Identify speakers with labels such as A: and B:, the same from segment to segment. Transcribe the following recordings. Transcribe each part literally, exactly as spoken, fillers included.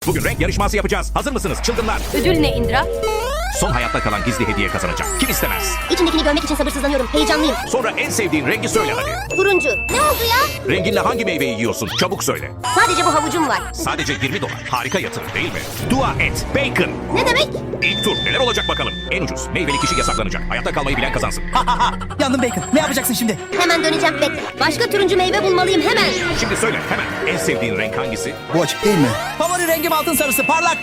A: Bugün renk yarışması yapacağız. Hazır mısınız çılgınlar?
B: Ödül ne Indra?
A: Son hayatta kalan gizli hediye kazanacak. Kim istemez?
C: İçindekini görmek için sabırsızlanıyorum. Heyecanlıyım.
A: Sonra en sevdiğin rengi söyle hadi.
C: Turuncu. Ne oldu ya?
A: Renginle hangi meyveyi yiyorsun? Çabuk söyle.
C: Sadece bu havucum var.
A: Sadece yirmi dolar. Harika yatırım değil mi? Dua et. Bacon.
C: Ne demek?
A: İlk tur neler olacak bakalım. En ucuz meyveli kişi yasaklanacak. Hayatta kalmayı bilen kazansın.
D: Ha ha ha. Yandım Bacon. Ne yapacaksın şimdi?
C: Hemen döneceğim, bekle. Başka turuncu meyve bulmalıyım hemen.
A: Şimdi söyle hemen. En sevdiğin renk hangisi?
D: Bu açık değil mi? Favori rengim altın sarısı parlak.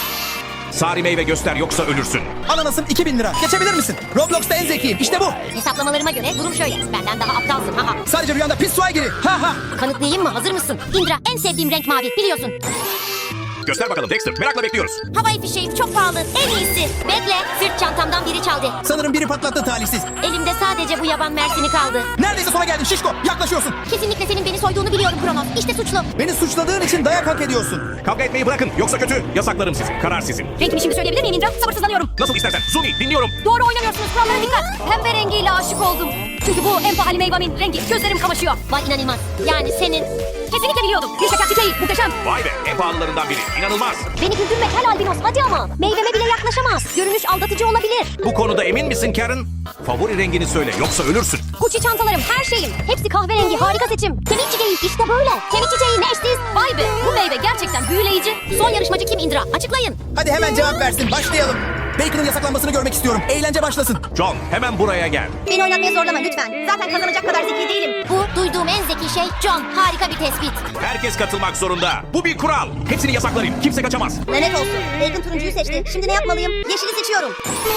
A: Sarı meyve göster yoksa ölürsün.
D: Ananasım iki bin lira. Geçebilir misin? Roblox'ta en zekiyim. İşte bu.
C: Hesaplamalarıma göre durum şöyle. Benden daha aptalsın. Ha ha.
D: Sadece rüyanda pis suya giri. Ha ha.
C: Kanıtlayayım mı? Hazır mısın? Indra, en sevdiğim renk mavi. Biliyorsun.
A: Göster bakalım Dexter. Merakla bekliyoruz.
C: Havai fişeği çok pahalı. En iyisi. Bekle. Sırt çantamdan biri çaldı.
D: Sanırım biri patlattı talihsiz.
C: Elimde sadece bu yaban mersini kaldı.
D: Neredeyse sona geldin şişko. Yaklaşıyorsun.
C: Kesinlikle senin beni soyduğunu biliyorum Kronos. İşte suçlu.
D: Beni suçladığın için dayak hak ediyorsun.
A: Kavga etmeyi bırakın yoksa kötü. Yasaklarım sizi. Karar sizin.
B: Renkimi şimdi söyleyebilir miyim Indra? Sabırsızlanıyorum.
A: Nasıl istersen. Zumi dinliyorum.
B: Doğru oynamıyorsunuz. Kurallara dikkat. Pembe rengiyle aşık oldum. Çünkü bu en pahalı meyvemin rengi. Gözlerim kamaşıyor.
C: Vay inanılmaz. Yani senin.
B: Kesinlikle biliyordum. Bir şeker çiçeği. Muhteşem.
A: Vay be en pahalılarından biri. İnanılmaz.
C: Beni güldürme kel albinos. Hadi ama. Meyveme bile yaklaşamaz. Görünüş aldatıcı olabilir.
A: Bu konuda emin misin Karen? Favori rengini söyle yoksa ölürsün.
C: Gucci çantalarım, her şeyim. Hepsi kahverengi, harika seçim. Kemik çiçeği işte böyle. Kemik çiçeği ne eşsiz.
B: Vay be. Bu meyve gerçekten büyüleyici.
C: Son yarışmacı kim Indra? Açıklayın.
D: Hadi hemen cevap versin. Başlayalım. Bacon'ın yasaklanmasını görmek istiyorum. Eğlence başlasın.
A: John hemen buraya gel.
C: Beni oynatmaya zorlama lütfen. Zaten kazanacak kadar zeki değilim. Bu duyduğum en zeki şey John. Harika bir tespit.
A: Herkes katılmak zorunda. Bu bir kural. Hepsini yasaklarım. Kimse kaçamaz.
C: Lanet olsun. Bacon turuncuyu seçti. Şimdi ne yapmalıyım? Yeşili seçiyorum.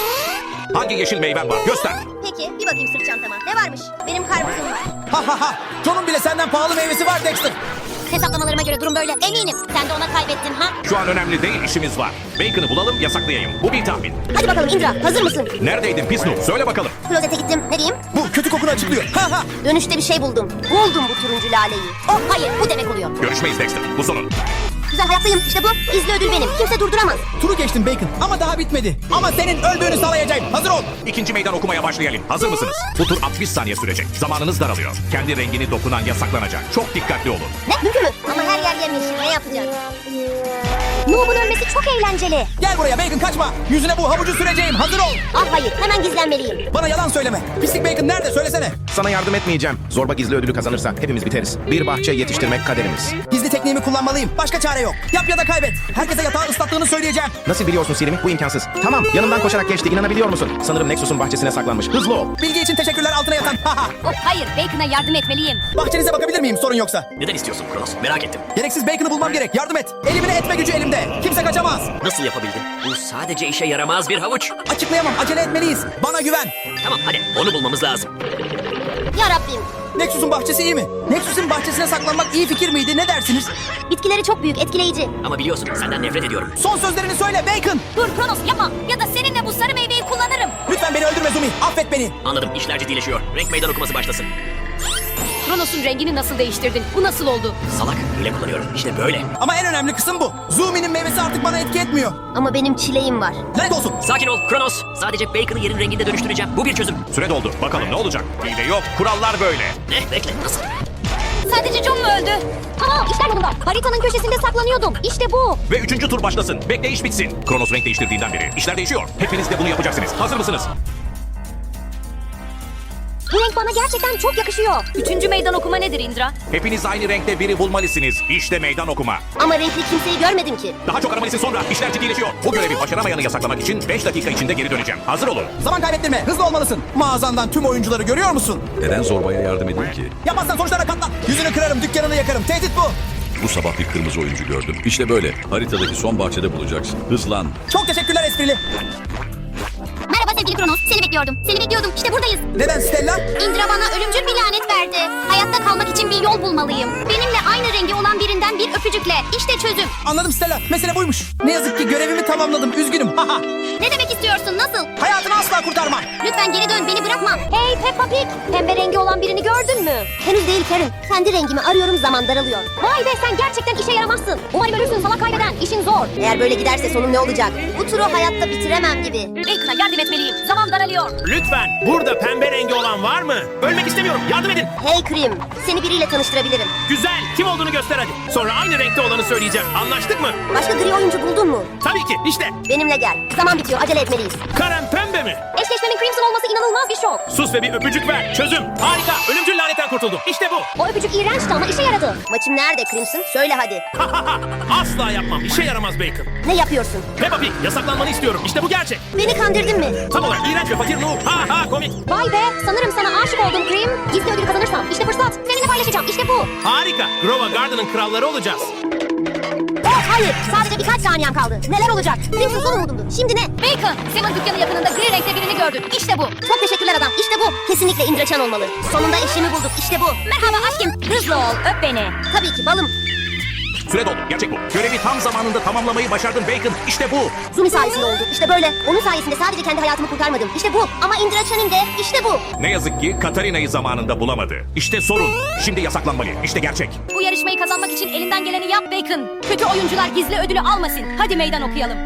A: Hangi yeşil meyven var? Göster.
C: Peki bir bakayım sırt çantama. Ne varmış? Benim karpuzum var.
D: Ha ha ha. John'un bile senden pahalı meyvesi var Dexter.
C: Hesaplamalarıma göre durum böyle. Eminim. Sen de ona kaybettin ha?
A: Şu an önemli değil işimiz var. Bacon'ı bulalım yasaklayayım. Bu bir tahmin.
C: Hadi bakalım Indra. Hazır mısın?
A: Neredeydin pis noob? Söyle bakalım.
C: Klozete gittim. Ne diyeyim?
D: Bu kötü kokunu açıklıyor. Ha ha.
C: Dönüşte bir şey buldum. Buldum bu turuncu laleyi. Oh hayır bu demek oluyor.
A: Görüşmeyiz Dexter. Bu sonun.
C: Güzel hayattayım. İşte bu. Gizli ödül benim. Kimse durduramaz.
D: Turu geçtim Bacon ama daha bitmedi. Ama senin öldüğünü sağlayacağım. Hazır ol.
A: İkinci meydan okumaya başlayalım. Hazır mısınız? Bu tur altmış saniye sürecek. Zamanınız daralıyor. Kendi rengini dokunan yasaklanacak. Çok dikkatli olun.
C: Ne? Mümkün mü? Ama her yer yemyeşil. Ne yapacağız? Noob'un ölmesi çok eğlenceli.
D: Gel buraya Bacon kaçma. Yüzüne bu havucu süreceğim. Hazır ol.
C: Ah hayır. Hemen gizlenmeliyim.
D: Bana yalan söyleme. Pislik Bacon nerede söylesene.
E: Sana yardım etmeyeceğim. Zorba gizli ödülü kazanırsa hepimiz biteriz. Bir bahçe yetiştirmek kaderimiz.
D: Gizli tekniğimi kullanmalıyım. Başka çare yok. Yap ya da kaybet. Herkese yatağı ıslattığını söyleyeceğim.
E: Nasıl biliyorsun Sirimi? Bu imkansız. Tamam, yanımdan koşarak geçti. İnanabiliyor musun? Sanırım Nexus'un bahçesine saklanmış. Hızlı ol.
D: Bilgi için teşekkürler altına yatan. Ha ha.
B: Oh hayır. Bacon'a yardım etmeliyim.
D: Bahçenize bakabilir miyim sorun yoksa?
F: Neden istiyorsun Kronos? Merak ettim.
D: Gereksiz Bacon'ı bulmam gerek. Yardım et. Elimine etme gücü elimde. Kimse kaçamaz.
F: Nasıl yapabildin? Bu sadece işe yaramaz bir havuç.
D: Açıklayamam. Acele etmeliyiz. Bana güven.
F: Tamam hadi onu bulmamız lazım.
C: Ya Rabbim.
D: Nexus'un bahçesi iyi mi? Nexus'un bahçesine saklanmak iyi fikir miydi? Ne dersiniz?
C: Bitkileri çok büyük, etkileyici.
F: Ama biliyorsun senden nefret ediyorum.
D: Son sözlerini söyle Bacon.
B: Dur Kronos yapma. Ya da seninle bu sarı meyveyi kullanırım.
D: Lütfen beni öldürme Zumi. Affet beni.
F: Anladım işler ciddileşiyor. Renk meydan okuması başlasın.
B: Kronos'un rengini nasıl değiştirdin? Bu nasıl oldu?
F: Salak hile kullanıyorum. İşte böyle.
D: Ama en önemli kısım bu. Zumi'nin meyvesi artık bana etki etmiyor.
C: Ama benim çileğim var.
D: Lanet olsun.
F: Sakin ol Kronos. Sadece Bacon'ı yerin renginde dönüştüreceğim. Bu bir çözüm.
A: Süre doldu. Bakalım ne olacak? Hile yok. Kurallar böyle.
F: Ne? Bekle nasıl?
B: Sadece John mu öldü?
C: Tamam işler yolunda. Haritanın köşesinde saklanıyordum. İşte bu.
A: Ve üçüncü tur başlasın. Bekleyiş bitsin. Kronos renk değiştirdiğinden beri. İşler değişiyor. Hepiniz de bunu yapacaksınız. Hazır mısınız?
C: Bu renk bana gerçekten çok yakışıyor.
B: Üçüncü meydan okuma nedir Indra?
A: Hepiniz aynı renkte biri bulmalısınız. İşte meydan okuma.
C: Ama renkli kimseyi görmedim ki.
A: Daha çok aramalısın sonra. İşler ciddileşiyor. Bu görevi başaramayanı yasaklamak için beş dakika içinde geri döneceğim. Hazır olun.
D: Zaman kaybettirme. Hızlı olmalısın. Mağazandan tüm oyuncuları görüyor musun?
G: Neden zorbaya yardım edeyim ki?
D: Yapmazsan sonuçlara katlan. Yüzünü kırarım, dükkanını yakarım. Tehdit bu.
G: Bu sabah bir kırmızı oyuncu gördüm. İşte böyle. Haritadaki son bahçede bulacaksın. Hızlan.
D: Çok teşekkürler esprili.
C: Merhaba sevgili Kronos. Seni bekliyordum. Seni bekliyordum. İşte buradayız.
D: Neden Stella?
C: Indra bana ölümcül bir lanet verdi. Hayatta kalmak için bir yol bulmalıyım. Benimle aynı rengi olan birinden bir öpücükle. İşte çözüm.
D: Anladım Stella. Mesele buymuş. Ne yazık ki görevimi tamamladım. Üzgünüm. Haha.
C: Ne demek istiyorsun? Nasıl?
D: Hayatını asla kurtarmam.
C: Lütfen geri dön. Beni bırakma. Hey Peppa Pig. Pembe rengi olan birini gördün mü? Henüz değil Karen. Kendi rengimi arıyorum, zaman daralıyor. Vay be, sen gerçekten işe yaramazsın. Umarım ölürsün sana kaybeden. İşin zor. Eğer böyle giderse sonum ne olacak? Bu turu hayatta bitiremem gibi.
B: Bacon'a yardım etmeliyim. Zaman daralıyor.
H: Lütfen burada pembe rengi olan var mı? Ölmek istemiyorum yardım edin.
C: Hey Krim. Seni biriyle tanıştırabilirim.
H: Güzel. Kim olduğunu göster hadi. Sonra aynı renkte olanı söyleyeceğim. Anlaştık mı?
C: Başka gri oyuncu buldun mu?
H: Tabii ki. İşte.
C: Benimle gel. Zaman bitiyor. Acele etmeliyiz.
H: Karen pembe mi?
C: Eşleşmenin Crimson olması inanılmaz bir şok.
H: Sus ve bir öpücük ver. Çözüm. Harika. Ölümcül lanetten kurtuldum. İşte bu.
C: O öpücük iğrençti ama işe yaradı. Maçım nerede Crimson? Söyle hadi.
H: Asla yapmam. İşe yaramaz Bacon.
C: Ne yapıyorsun?
H: Peppa Pig, yasaklanmanı istiyorum. İşte bu gerçek.
C: Beni kandırdın mı?
H: Tam olarak iğrenç ve fakir ruh. Ha ha komik.
C: Vay be, sanırım sana aşık oldum Cream. Gizli ödül kazanırsam işte fırsat. Seninle paylaşacağım. İşte bu.
H: Harika. Grova Garden'ın kralları olacağız.
C: Oh hayır, sadece birkaç saniyem kaldı. Neler olacak? Crimson son umudumdu. Şimdi ne?
B: Bacon, Sam'ın dükkanı yakınında gri renkte birini gördün. İşte bu.
C: Çok teşekkürler adam. İşte bu. Kesinlikle Indraçan olmalı. Sonunda eşimi bulduk. İşte bu.
B: Merhaba aşkım. Hızlı ol, öp beni.
C: Tabii ki balım.
A: Süre doldu. Gerçek bu. Görevi tam zamanında tamamlamayı başardın Bacon. İşte bu.
C: Zumi sayesinde oldu. İşte böyle. Onun sayesinde sadece kendi hayatımı kurtarmadım. İşte bu. Ama Indraçan'ın de işte bu.
A: Ne yazık ki Katarina'yı zamanında bulamadı. İşte sorun. Şimdi yasaklanmalı. İşte gerçek.
B: Bu yarışmayı kazanmak için elinden geleni yap Bacon. Kötü oyuncular gizli ödülü almasın. Hadi meydan okuyalım.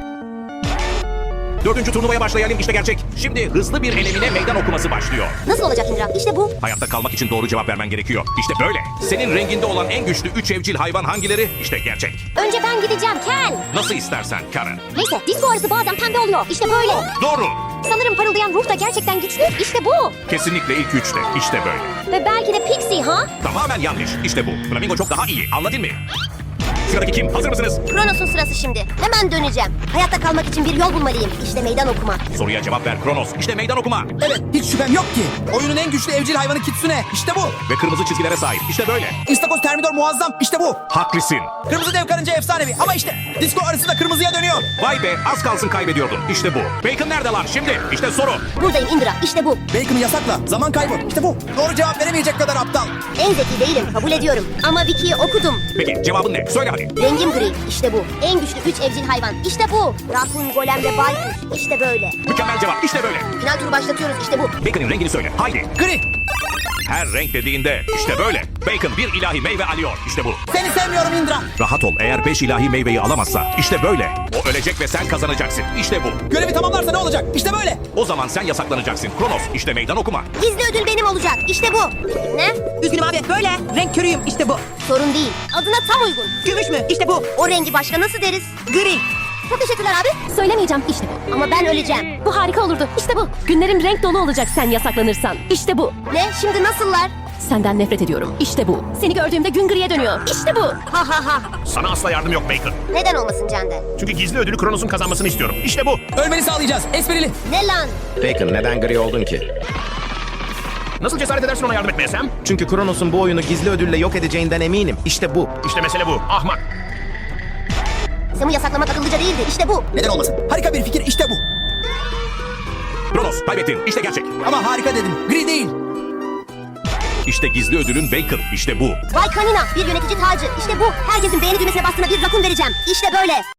A: Dördüncü turnuvaya başlayalım. İşte gerçek. Şimdi hızlı bir elemine meydan okuması başlıyor.
C: Nasıl olacak Indra? İşte bu.
A: Hayatta kalmak için doğru cevap vermen gerekiyor. İşte böyle. Senin renginde olan en güçlü üç evcil hayvan hangileri? İşte gerçek.
C: Önce ben gideceğim Ken.
A: Nasıl istersen Karen.
C: Neyse, disco arısı bazen pembe oluyor. İşte böyle.
A: Doğru.
C: Sanırım parıldayan ruh da gerçekten güçlü. İşte bu.
A: Kesinlikle ilk üçte. İşte böyle.
C: Ve belki de Pixie ha?
A: Tamamen yanlış. İşte bu. Flamingo çok daha iyi. Anladın mı? Sıradaki kim? Hazır mısınız?
C: Kronos'un sırası şimdi. Hemen döneceğim. Hayatta kalmak için bir yol bulmalıyım. İşte meydan okuma.
A: Soruya cevap ver Kronos. İşte meydan okuma.
D: Evet, hiç şüphem yok ki. Oyunun en güçlü evcil hayvanı Kitsune. İşte bu.
A: Ve kırmızı çizgilere sahip. İşte böyle.
D: İstakoz Termidor muazzam. İşte bu.
A: Haklısın.
D: Kırmızı dev karınca efsanevi. Ama işte disco arısı da kırmızıya dönüyor.
A: Vay be, az kalsın kaybediyordun. İşte bu. Bacon nerede lan şimdi? İşte soru.
C: Buradayım Indra. İşte bu.
D: Bacon'ı yasakla. Zaman kaybı. İşte bu. Doğru cevap veremeyecek kadar aptal.
C: En zeki değilim. Kabul ediyorum. Ama Wiki'yi okudum.
A: Peki cevabın ne? Söyle hadi.
C: Rengim gri. İşte bu. En güçlü üç evcil hayvan. İşte bu. Rakun, golem ve baykuş. İşte böyle.
A: Mükemmel cevap. İşte böyle.
C: Final turu başlatıyoruz. İşte bu.
A: Bacon'ın rengini söyle. Haydi.
D: Gri.
A: Her renk dediğinde işte böyle. Bacon bir ilahi meyve alıyor. İşte bu.
D: Seni sevmiyorum Indra.
A: Rahat ol. Eğer beş ilahi meyveyi alamazsa işte böyle. O ölecek ve sen kazanacaksın. İşte bu.
D: Görevi tamamlarsa ne olacak? İşte böyle.
A: O zaman sen yasaklanacaksın. Kronos işte meydan okuma.
C: Gizli ödül benim olacak. İşte bu. Ne?
I: Üzgünüm abi böyle. Renk körüyüm işte bu.
C: Sorun değil. Adına tam uygun.
I: Gümüş mü? İşte bu.
C: O rengi başka nasıl deriz?
I: Gri.
C: Çok teşekkürler abi. Söylemeyeceğim. İşte bu. Ama ben öleceğim.
B: Bu harika olurdu. İşte bu. Günlerim renk dolu olacak sen yasaklanırsan. İşte bu.
C: Ne? Şimdi nasıllar?
B: Senden nefret ediyorum. İşte bu. Seni gördüğümde gün griye dönüyor. İşte bu.
C: Ha ha ha.
H: Sana asla yardım yok Bacon.
C: Neden olmasın Cende?
H: Çünkü gizli ödülü Kronos'un kazanmasını istiyorum. İşte bu.
D: Ölmeni sağlayacağız. Esprili.
C: Ne lan?
E: Bacon, neden gri oldun ki?
H: Nasıl cesaret edersin ona yardım etmeye Sam?
E: Çünkü Kronos'un bu oyunu gizli ödülle yok edeceğinden eminim. İşte bu.
H: İşte mesele bu. Ahmak.
C: Sam'ı yasaklamak akıllıca değildi. İşte bu.
D: Neden olmasın? Harika bir fikir. İşte bu.
A: Kronos kaybettin. İşte gerçek.
D: Ama harika dedim. Gri değil.
A: İşte gizli ödülün Bacon. İşte bu.
C: Vay kanina. Bir yönetici tacı. İşte bu. Herkesin beğeni düğmesine bastığına bir rakun vereceğim. İşte böyle.